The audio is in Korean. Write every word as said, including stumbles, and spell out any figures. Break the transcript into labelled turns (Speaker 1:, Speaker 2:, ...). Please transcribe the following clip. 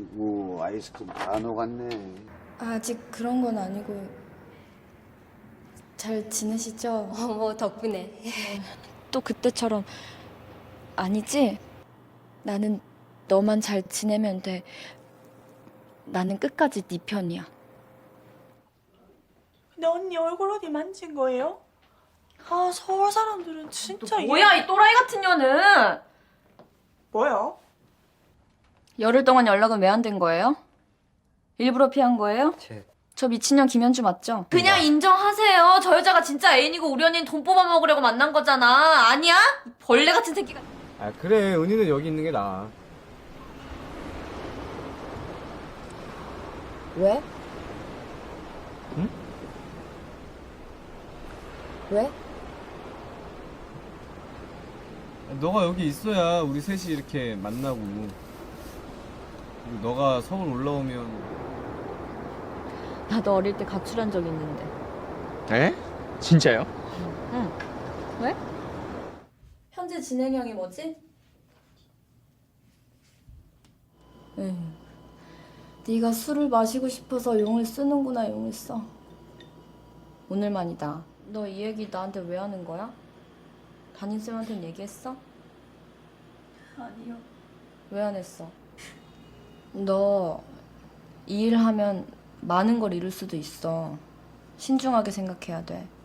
Speaker 1: 아이고, 아이스크림 다 녹았네.
Speaker 2: 아직 그런 건 아니고 잘 지내시죠?
Speaker 3: 어, 뭐 덕분에.
Speaker 2: 또 그때처럼 아니지? 나는 너만 잘 지내면 돼. 나는 끝까지 네 편이야.
Speaker 4: 근데 언니 얼굴 어디 만진 거예요? 아 서울 사람들은 진짜
Speaker 2: 뭐야 이 또라이 같은 년은!
Speaker 4: 뭐야?
Speaker 2: 열흘 동안 연락은 왜 안 된 거예요? 일부러 피한 거예요?
Speaker 5: 제...
Speaker 2: 저 미친년 김현주 맞죠? 그냥 인정하세요. 저 여자가 진짜 애인이고 우리 언니는 돈 뽑아 먹으려고 만난 거잖아. 아니야? 벌레 같은 새끼가.
Speaker 5: 아 그래, 은희는 여기 있는 게 나아.
Speaker 3: 왜?
Speaker 5: 응?
Speaker 3: 왜?
Speaker 5: 너가 여기 있어야 우리 셋이 이렇게 만나고, 그리고 너가 서울 올라오면.
Speaker 2: 나도 어릴 때 가출한 적 있는데.
Speaker 6: 에? 진짜요?
Speaker 2: 응. 왜? 현재 진행형이 뭐지? 에휴. 네가 술을 마시고 싶어서 용을 쓰는구나. 용을 써. 오늘만이다. 너 이 얘기 나한테 왜 하는 거야? 담임쌤한테는 얘기했어?
Speaker 4: 아니요.
Speaker 2: 왜 안 했어? 너 이 일 하면 많은 걸 잃을 수도 있어. 신중하게 생각해야 돼.